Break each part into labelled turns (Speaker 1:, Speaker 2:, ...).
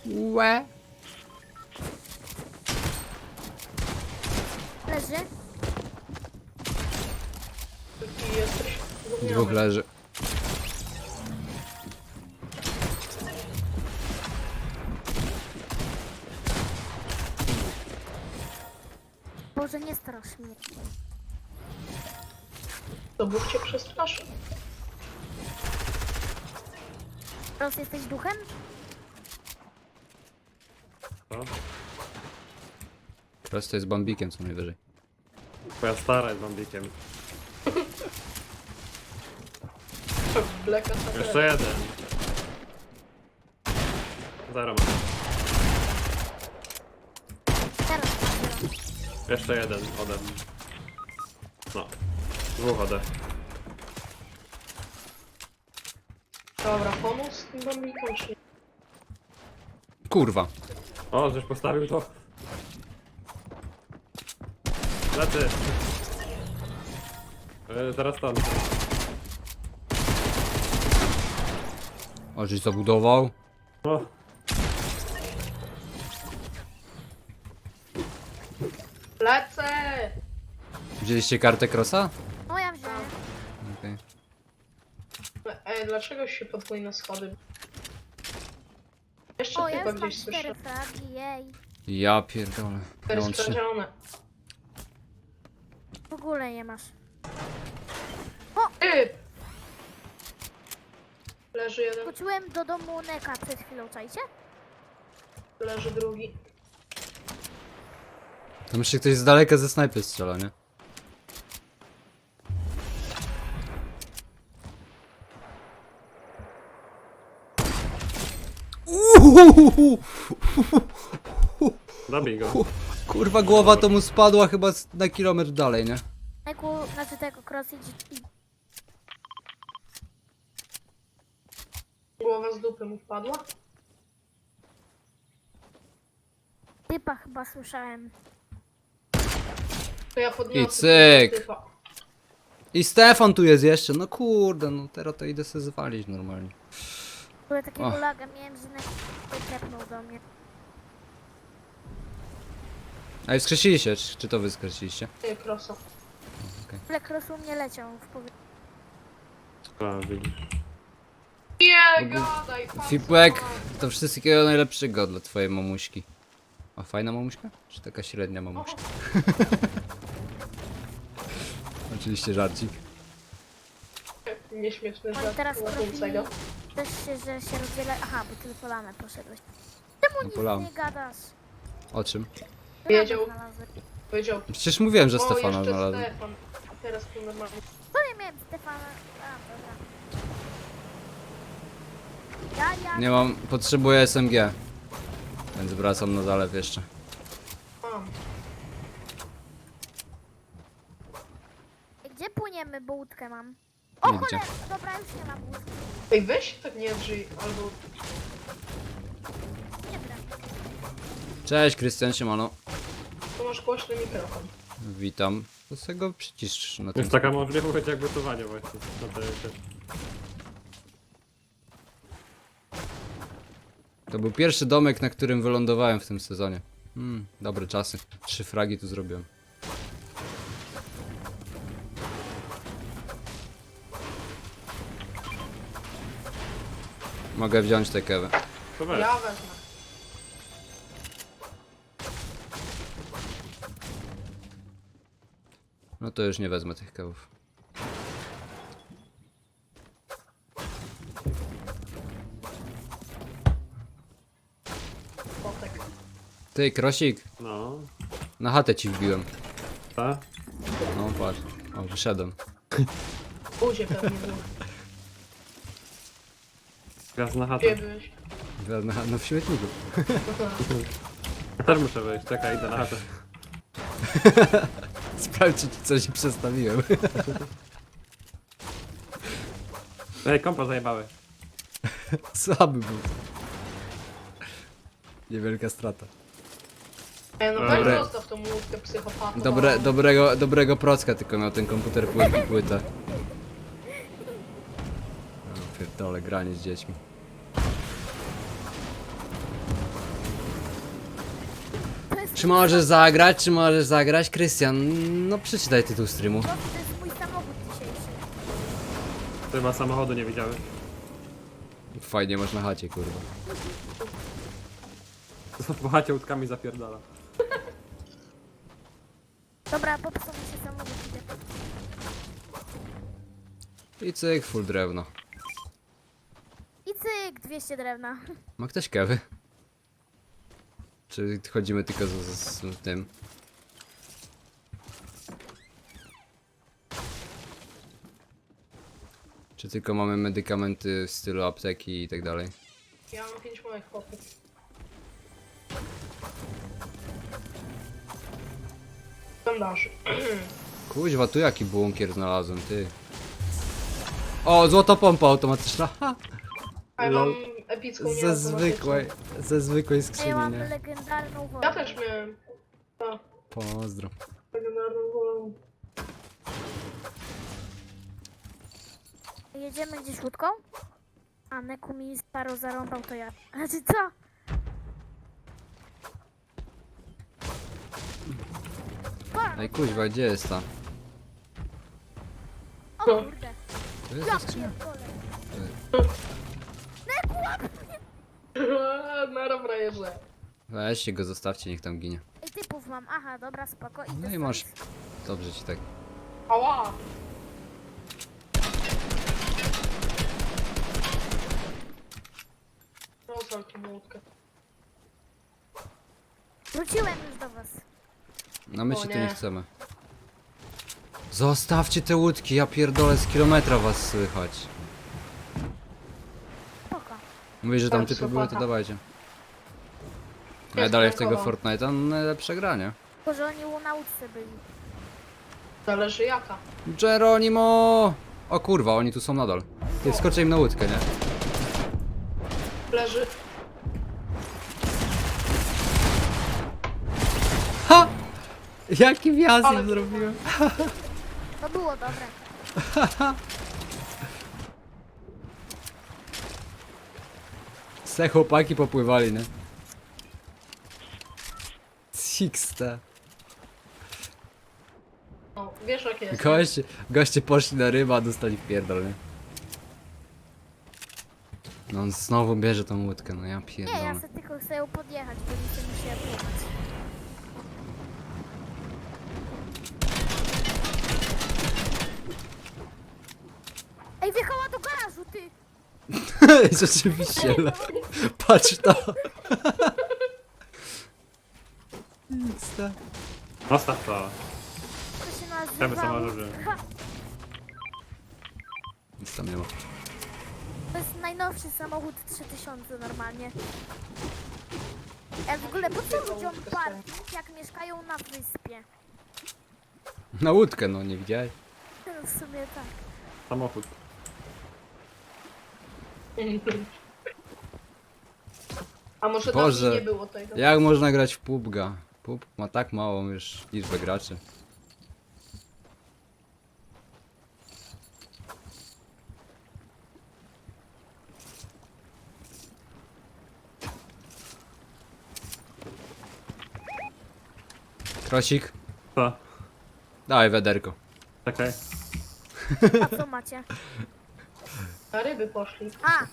Speaker 1: Łe.
Speaker 2: Leży.
Speaker 3: Ty jesteś
Speaker 1: Dwóch leży.
Speaker 2: Boże, nie strasz mnie.
Speaker 3: To Bóg cię przestraszy.
Speaker 2: Teraz jesteś duchem?
Speaker 4: Co?
Speaker 1: Prosto jest bambikiem co najwyżej.
Speaker 4: Twoja stara jest bambikiem.
Speaker 3: Bleka ta
Speaker 4: Jeszcze jeden. Zero mam.
Speaker 2: Teraz.
Speaker 4: Jeszcze jeden ode mnie. No. Dwóch ode.
Speaker 3: Dobra, pomóc tym bambikom czy nie?
Speaker 1: Kurwa.
Speaker 4: O, żeś postawił to. Lecy. Teraz tam.
Speaker 1: O, żeś zabudował.
Speaker 4: O,
Speaker 3: Lecę!
Speaker 1: Wzięliście kartę Crossa?
Speaker 2: No ja wziąłem.
Speaker 1: Okej.
Speaker 3: Ej, dlaczego się podwójne schody? Jeszcze
Speaker 2: O, ja
Speaker 3: chyba
Speaker 2: już mam
Speaker 3: gdzieś
Speaker 2: 4
Speaker 3: słyszę.
Speaker 2: fragi, jej.
Speaker 1: Ja pierdolę. Ja mam 3.
Speaker 3: Sprawdzione.
Speaker 2: W ogóle nie masz.
Speaker 3: Ty! Leży jeden,
Speaker 2: Wróciłem do domu Neka przed chwilą, czajcie?
Speaker 3: leży drugi.
Speaker 1: To myślę, ktoś z daleka ze snajpy strzela, nie?
Speaker 4: zabij go.
Speaker 1: Kurwa, głowa to mu spadła chyba na kilometr dalej, nie?
Speaker 2: Neku, znaczy tego cross i
Speaker 3: Głowa z dupy mu wpadła.
Speaker 2: typa chyba słyszałem.
Speaker 3: To ja podniosę
Speaker 1: I cyk.
Speaker 3: tego typa.
Speaker 1: I Stefan tu jest jeszcze, no kurde, no teraz to idę sobie zwalić normalnie.
Speaker 2: W ogóle takiego
Speaker 1: Och.
Speaker 2: laga miałem, że Neku tepnął do mnie.
Speaker 1: A i wskrzesiliście, czy to wy skresiliście?
Speaker 3: Ty, krosa.
Speaker 2: Ale cross u mnie leciał w powietrzu.
Speaker 4: A, widzisz.
Speaker 3: Nie gadaj, patrz,
Speaker 1: Fipłek,
Speaker 3: co
Speaker 1: to wszystkiego najlepszego dla twojej mamuśki. A fajna mamuśka? Czy taka średnia
Speaker 3: mam.
Speaker 1: mamuśka? Oczywiście żarcik.
Speaker 3: Nieśmieszny
Speaker 2: Oni
Speaker 3: żart.
Speaker 2: teraz
Speaker 3: Ładunca
Speaker 2: profili
Speaker 3: go.
Speaker 2: też się, że się rozdziela. Aha, bo ty polanę poszedłeś. Czemu
Speaker 1: No
Speaker 2: nic
Speaker 1: polamy.
Speaker 2: nie gadasz?
Speaker 1: O czym?
Speaker 3: Wiedział.
Speaker 2: Znalazłem.
Speaker 3: Powiedział.
Speaker 1: Przecież mówiłem, że
Speaker 3: O,
Speaker 1: Stefana
Speaker 3: jeszcze
Speaker 1: znalazłem.
Speaker 3: Stefan. Teraz tu normalnie.
Speaker 2: To nie miałem Stefana. A, dobra. Ja.
Speaker 1: Nie mam, potrzebuję SMG. Więc wracam na zalew jeszcze.
Speaker 3: Mam.
Speaker 2: Gdzie płyniemy, bo łódkę mam? O
Speaker 1: Nie
Speaker 2: cholera, dobra, już nie mam łódki.
Speaker 3: Ej, weź tak nie drzyj, albo...
Speaker 2: Nie wiem.
Speaker 1: Cześć Krystian, siemano.
Speaker 3: Tu masz głośny mikrofon.
Speaker 1: Witam. To sobie go przycisz na tym.
Speaker 4: Jest taka możliwość jak gotowanie właśnie. No to jest.
Speaker 1: To był pierwszy domek, na którym wylądowałem w tym sezonie. Dobre czasy. 3 fragi tu zrobiłem. Mogę wziąć tę kewę.
Speaker 4: To weź.
Speaker 3: Ja wezmę.
Speaker 1: No to już nie wezmę tych kewów.
Speaker 3: Potek.
Speaker 1: Ty, Krosik,
Speaker 4: No.
Speaker 1: na chatę ci wbiłem.
Speaker 4: Ta?
Speaker 1: No patrz. O, wyszedłem.
Speaker 3: Buzie pewnie był.
Speaker 4: Gaz na
Speaker 3: Gdzie
Speaker 4: chatę.
Speaker 3: byłeś?
Speaker 1: No w śmietniku.
Speaker 4: Ja też muszę wejść, czekaj, idę na chatę.
Speaker 1: Sprawdź, czy coś przestawiłem.
Speaker 4: Ej, kompa zajebały.
Speaker 1: Słaby był. Niewielka strata.
Speaker 3: Ej, no
Speaker 4: Dobre.
Speaker 3: weź zostaw tą łódkę psychopatą.
Speaker 1: Dobrego procka tylko miał ten komputer płytę. O pierdole, granie z dziećmi. Czy możesz zagrać, czy możesz zagrać? Krystian, no przeczytaj tytuł streamu.
Speaker 2: To jest mój samochód dzisiejszy.
Speaker 4: Chyba samochodu nie widziałem.
Speaker 1: Fajnie masz na chacie, kurwa.
Speaker 4: Po chacie łódkami zapierdala.
Speaker 2: Dobra, popsuł mi się samochód. Idę.
Speaker 1: I cyk, full drewno.
Speaker 2: I cyk, 200 drewna.
Speaker 1: Ma ktoś kewy? Czy chodzimy tylko z tym? Czy tylko mamy medykamenty w stylu apteki i tak dalej?
Speaker 3: Ja mam 5 moich chłopów. Bandaży.
Speaker 1: Kuźwa, tu jaki bunkier znalazłem, ty. O, złota pompa automatyczna. Ha!
Speaker 3: A ja mam
Speaker 4: Lol.
Speaker 3: epicką
Speaker 1: Ze zwykłej
Speaker 2: A ja
Speaker 1: skrzyni,
Speaker 2: mam
Speaker 1: nie?
Speaker 2: legendarną wodę.
Speaker 3: Ja też miałem. Tak,
Speaker 1: Pozdro.
Speaker 3: legendarną wolę.
Speaker 2: Jedziemy gdzieś łódką? A Neku mi sparo zarąbał, to ja. Znaczy co?
Speaker 1: Ej, kuźwa, gdzie jest ta?
Speaker 2: O kurde.
Speaker 1: To jest
Speaker 2: Ja
Speaker 1: ta skrzynia?
Speaker 2: pierdolę. Neku, łap mnie!
Speaker 3: Nara frajerze.
Speaker 1: Weźcie go, zostawcie, niech tam ginie.
Speaker 2: Ej, typów mam. Aha, dobra, spoko.
Speaker 1: No
Speaker 2: Idę
Speaker 1: i masz.
Speaker 2: stąd.
Speaker 1: Dobrze ci tak.
Speaker 3: Ała! Rozwal tą łódkę.
Speaker 2: Wróciłem już do was.
Speaker 1: No my
Speaker 3: O
Speaker 1: się tu
Speaker 3: nie.
Speaker 1: nie chcemy. Zostawcie te łódki, ja pierdolę, z kilometra was słychać.
Speaker 2: Spoko.
Speaker 1: Mówisz, że tam
Speaker 3: Tak,
Speaker 1: typy były, to
Speaker 3: psychopata.
Speaker 1: dawajcie. A ja
Speaker 3: Jest
Speaker 1: dalej w tego
Speaker 3: prankował.
Speaker 1: Fortnite'a, no najlepsze granie.
Speaker 2: Tylko, że oni na łódce byli.
Speaker 3: Zależy jaka.
Speaker 1: Geronimo! O kurwa, oni tu są nadal. Ty, wskoczę im na łódkę, nie?
Speaker 3: Leży.
Speaker 1: Ha! Jaki wjazd
Speaker 3: Ale
Speaker 1: im zrobiłem?
Speaker 2: To było dobre.
Speaker 1: Se chłopaki popływali, nie? Sixte.
Speaker 3: No, wiesz jak jest.
Speaker 1: Goście poszli na ryba, a dostali w pierdol, nie? No on znowu bierze tą łódkę, no ja
Speaker 2: Nie,
Speaker 1: pierdolę.
Speaker 2: ja sobie tylko chcę ją podjechać, bo nie chcę mi się pływać. Ej, wjechała do garażu, ty!
Speaker 1: Rzeczywiście, patrz to. Xte.
Speaker 4: Zostaw to.
Speaker 2: To się nazywa...
Speaker 4: Chcemy samochodzie.
Speaker 2: Ha,
Speaker 1: Nic tam nie ma.
Speaker 2: to jest najnowszy samochód 3000 normalnie. Ja w ogóle po co ludziom parking, jak mieszkają na wyspie?
Speaker 1: Na łódkę, no nie widziałeś?
Speaker 2: No w sumie tak.
Speaker 4: Samochód.
Speaker 3: A może
Speaker 1: Boże.
Speaker 3: dawniej nie było tego?
Speaker 1: Jak można grać w PUBG'a? PUBG ma tak małą już liczbę graczy. Krosik,
Speaker 4: Co?
Speaker 1: dawaj wiaderko.
Speaker 4: Czekaj.
Speaker 2: A co macie?
Speaker 3: Na ryby poszli.
Speaker 2: A,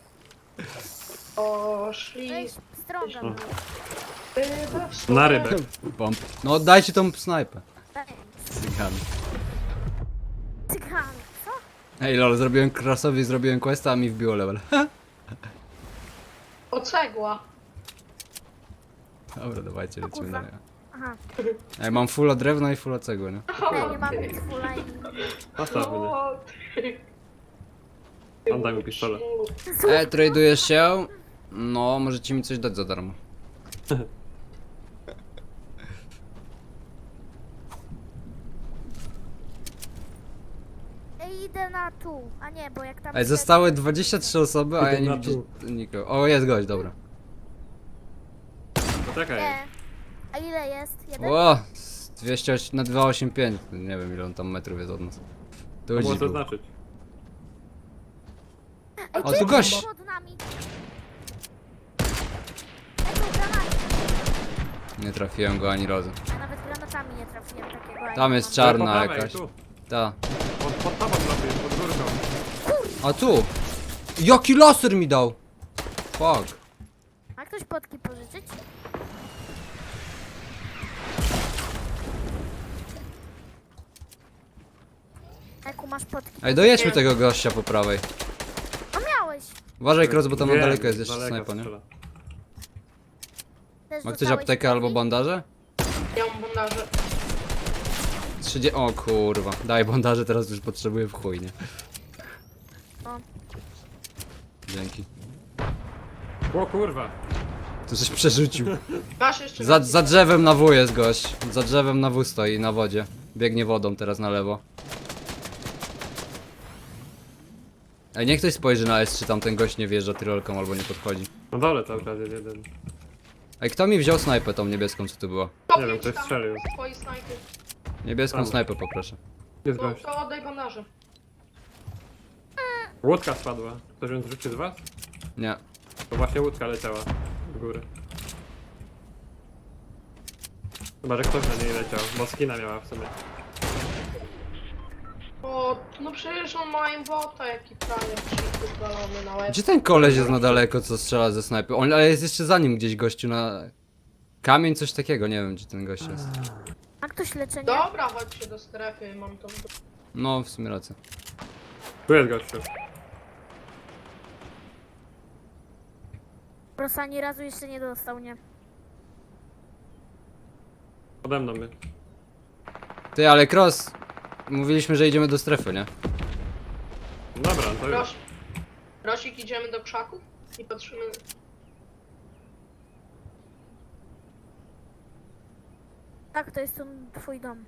Speaker 3: Poszli.
Speaker 2: weź strąga mnie.
Speaker 3: Ryba w sumie.
Speaker 4: Na rybę.
Speaker 1: Bomb. No oddajcie tą snajpę. Cygan.
Speaker 2: Cygan, co?
Speaker 1: Ej lol, zrobiłem Krosowi, zrobiłem questa, a mi wbiło level.
Speaker 3: O cegła.
Speaker 1: Dobra, dawajcie, lecimy
Speaker 2: kurwa.
Speaker 1: dalej.
Speaker 2: Aha,
Speaker 1: Ej, mam fulla drewna i fulla cegły, nie?
Speaker 2: ja nie mam nic fulla i...
Speaker 4: Zostaw mnie.
Speaker 3: No,
Speaker 4: On daj mi pistolet.
Speaker 1: Tradujesz się? No, możecie mi coś dać za darmo.
Speaker 2: Ej, idę na tu. A nie, bo jak tam...
Speaker 1: Ej, zostały 23 osoby, a ja
Speaker 4: Idę
Speaker 1: nie
Speaker 4: na
Speaker 1: widzę
Speaker 4: tu.
Speaker 1: nikogo. O, jest gość, dobra.
Speaker 4: Czekaj.
Speaker 2: Nie. A ile jest? Jeden?
Speaker 1: O, 208 na 285. Nie wiem ile on tam metrów jest od nas.
Speaker 4: To
Speaker 1: Tu
Speaker 4: było
Speaker 1: gdzieś był.
Speaker 4: zaznaczyć.
Speaker 2: Ej,
Speaker 1: O,
Speaker 2: ty
Speaker 1: tu gość.
Speaker 2: pod nami. Lecą granaty.
Speaker 1: Nie trafiłem go ani razu.
Speaker 2: Ja nawet granatami nie trafiłem takiego. a
Speaker 1: Tam
Speaker 2: ja
Speaker 1: jest
Speaker 2: mam.
Speaker 1: czarna
Speaker 4: Po prawej,
Speaker 1: jakaś.
Speaker 4: tu.
Speaker 1: Ta.
Speaker 4: Pod tobą lepiej, pod górką.
Speaker 1: A tu! Jaki laser mi dał! Fuck.
Speaker 2: Ma ktoś potki pożyczyć? Eku, masz potki.
Speaker 1: Ej, dojedźmy tego gościa po prawej.
Speaker 2: No miałeś!
Speaker 1: Uważaj, Cross, bo tam na
Speaker 4: Wiem,
Speaker 1: daleko jest
Speaker 4: z
Speaker 1: jeszcze
Speaker 4: daleka
Speaker 1: snajpa, nie?
Speaker 4: strzela.
Speaker 2: Też
Speaker 1: Ma ktoś
Speaker 2: dostałeś
Speaker 1: aptekę albo
Speaker 2: potki?
Speaker 1: bandaże?
Speaker 3: Ja mam bandaże.
Speaker 1: O kurwa, daj bandaże, teraz już potrzebuję w chuj, nie?
Speaker 2: O.
Speaker 1: Dzięki.
Speaker 4: O kurwa.
Speaker 1: Tu coś przerzucił.
Speaker 3: Masz jeszcze
Speaker 1: Za drzewem na W jest gość. Za drzewem na W stoi, na wodzie. Biegnie wodą teraz na lewo. Ej, niech ktoś spojrzy na S, czy tam ten gość nie wjeżdża tyrolką albo nie podchodzi.
Speaker 4: Na dole cały czas jest jeden.
Speaker 1: Ej, kto mi wziął snajpę tą niebieską, co tu była?
Speaker 4: Nie wiem, ktoś strzelił.
Speaker 3: Twoi snajpy.
Speaker 1: Niebieską
Speaker 4: Tam.
Speaker 1: snajpę poproszę.
Speaker 4: Jest
Speaker 3: No
Speaker 4: gość.
Speaker 3: to oddaj bandaże.
Speaker 4: Łódka spadła. Ktoś ją zrzucił z was?
Speaker 1: Nie.
Speaker 4: To właśnie łódka leciała w górę. Chyba, że ktoś na niej leciał, bo skina miała w sumie.
Speaker 3: O, no przecież on ma imbota, jaki prawie przyzwalony na łeb.
Speaker 1: Gdzie ten koleś jest na daleko, co strzela ze snajpy? On, ale jest jeszcze za nim gdzieś gościu na... Kamień, coś takiego, nie wiem gdzie ten gość jest.
Speaker 2: Ma ktoś leczenie?
Speaker 3: Dobra, chodźcie do strefy, mam to.
Speaker 1: No, w sumie racja.
Speaker 4: Tu jest gościu.
Speaker 2: Prosa ani razu jeszcze nie dostał, nie?
Speaker 4: Pode mną mnie.
Speaker 1: Ty, ale Cross... Mówiliśmy, że idziemy do strefy, nie?
Speaker 4: Dobra, to już.
Speaker 3: Rosik, idziemy do krzaków i patrzymy.
Speaker 2: Tak, to jest tu twój dom.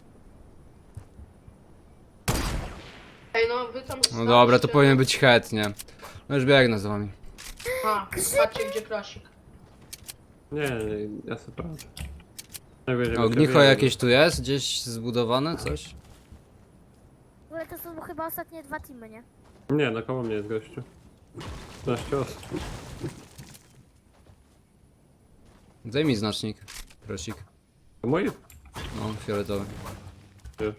Speaker 3: Ej, no wy tam
Speaker 1: No dobra, to
Speaker 3: staliście-
Speaker 1: powinien być head, nie? No już biegnę z wami.
Speaker 3: A, patrzcie gdzie krasik.
Speaker 4: Nie, ja sobie poradzę. Jak będziemy
Speaker 1: Ognicho
Speaker 4: się
Speaker 1: jakieś tu jest? Gdzieś zbudowane? Coś?
Speaker 2: W ogóle to są chyba ostatnie 2 teamy, nie?
Speaker 4: Nie, na koło mnie jest gościu. 15 osób.
Speaker 1: Daj mi znacznik. Prosik.
Speaker 4: To mój?
Speaker 1: No, fioletowy.
Speaker 4: Już.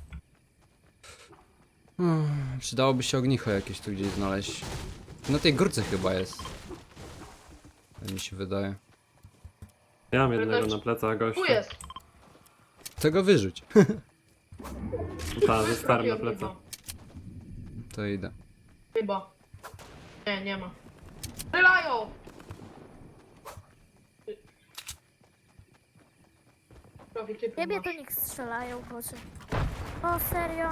Speaker 1: Przydałoby się ognicho jakieś tu gdzieś znaleźć. Na tej górce chyba jest. Tak mi się wydaje.
Speaker 4: Ja mam jednego na plecach gościa.
Speaker 3: Tu jest.
Speaker 1: Tego wyrzuć.
Speaker 4: Tak, ze starym na
Speaker 3: Robię
Speaker 4: plecach.
Speaker 1: To idę.
Speaker 3: Chyba. Nie, nie ma. Strzelają! Robi typu
Speaker 2: Ciebie
Speaker 3: masz.
Speaker 2: to niech strzelają, boże. O, serio?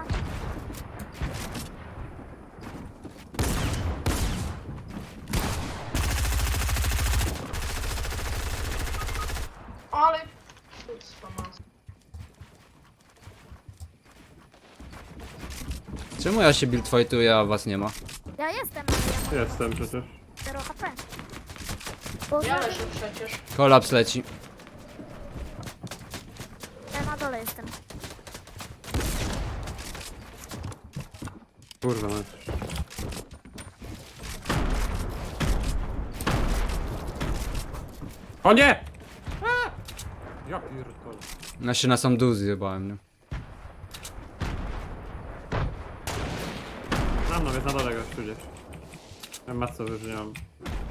Speaker 3: Ale... Kurwa, mas.
Speaker 1: Czemu ja się build fightuję, a was nie ma?
Speaker 2: Ja jestem, ale ja mam
Speaker 4: Jestem przecież.
Speaker 2: 0 HP. Boże,
Speaker 3: Ja leżę przecież.
Speaker 1: Kolaps leci.
Speaker 2: ja na dole jestem.
Speaker 4: Kurwa mać. O nie! A! Ja pierdolę.
Speaker 1: Ja się na sam dół zjebałem, nie?
Speaker 4: Mam jest na dole gościu gdzieś. Ja masę już nie mam.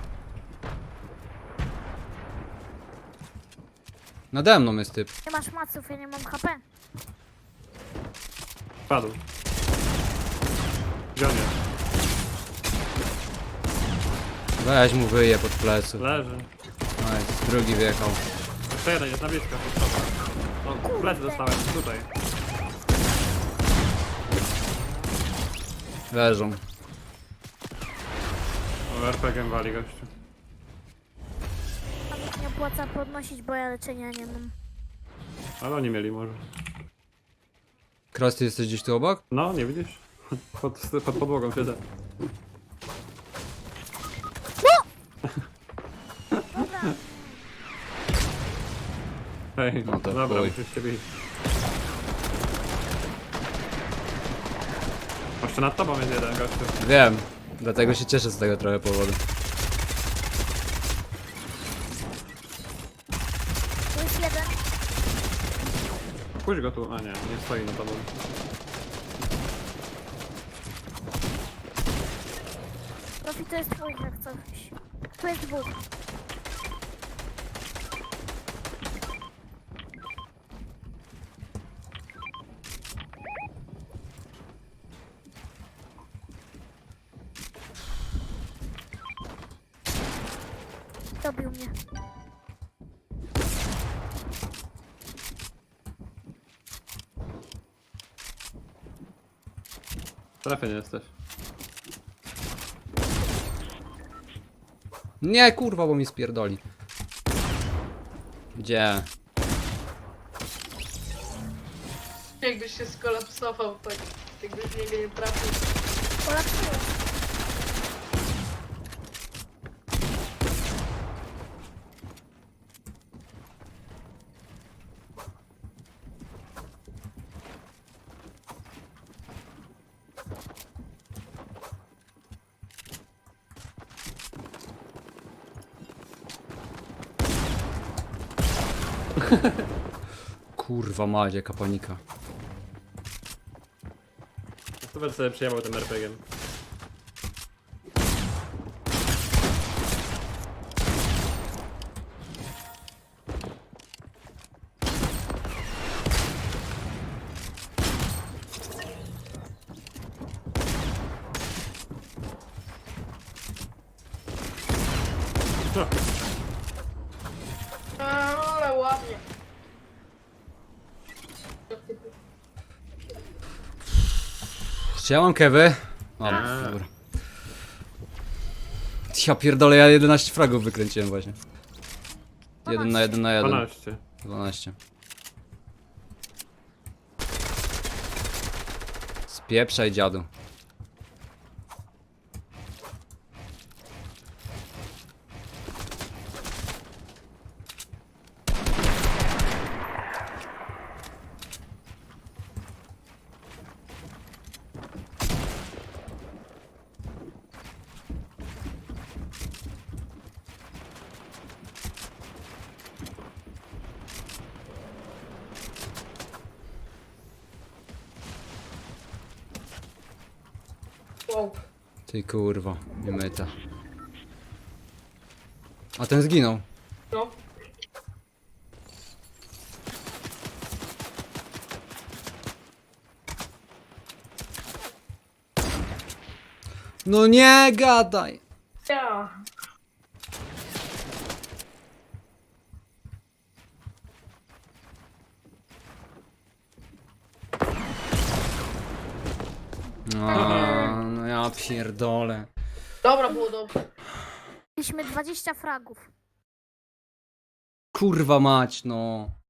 Speaker 1: Nade mną jest typ.
Speaker 2: Nie masz maców, ja nie mam HP.
Speaker 4: Padł. Gdzie on jest?
Speaker 1: Weź mu wyje pod plecy.
Speaker 4: Leży.
Speaker 1: No jest, drugi wjechał.
Speaker 4: Jeszcze jeden jest na blisko. No, plecy dostałem, tutaj.
Speaker 1: Leżą.
Speaker 4: O, RPG wali gościu.
Speaker 2: A mi się nie opłaca podnosić, bo ja leczenia nie mam.
Speaker 4: Ale oni mieli może.
Speaker 1: Cross, ty jesteś gdzieś tu obok?
Speaker 4: No, nie widzisz? Pod podłogą siedzę. Hej,
Speaker 1: No to
Speaker 4: dobra,
Speaker 1: chuj.
Speaker 4: musisz ciebie iść. Jeszcze nad tobą jest jeden gościu.
Speaker 1: Wiem. Dlatego się cieszę z tego trochę powodu.
Speaker 2: To jest
Speaker 4: Puść go tu. A nie, nie stoi na tobą.
Speaker 2: Profi to jest twój jak coś. Tu jest dwóch. Dobił mnie.
Speaker 4: Trafie nie jesteś.
Speaker 1: Nie, kurwa, bo mi spierdoli. Gdzie?
Speaker 3: Jakbyś się skolapsował, tak jakbyś w niego nie trafił.
Speaker 2: Kolapsuję.
Speaker 1: Kurwa mać, jaka panika.
Speaker 4: To będę sobie przyjmował tym RPG-iem.
Speaker 3: Ale ładnie.
Speaker 1: Czy ja mam kewy? Mam,
Speaker 4: A.
Speaker 1: dobra. Ja pierdolę, ja 11 fragów wykręciłem właśnie. 1 na 1 na 1.
Speaker 4: 12.
Speaker 1: 12. Spieprzaj, dziadu.
Speaker 3: Wow.
Speaker 1: Ty kurwa, nie myta. A ten zginął.
Speaker 3: No.
Speaker 1: No nie gadaj!
Speaker 3: Ja.
Speaker 1: No ja pierdolę.
Speaker 3: Dobra, było dobrze.
Speaker 2: Mieliśmy 20 fragów.
Speaker 1: Kurwa mać, no.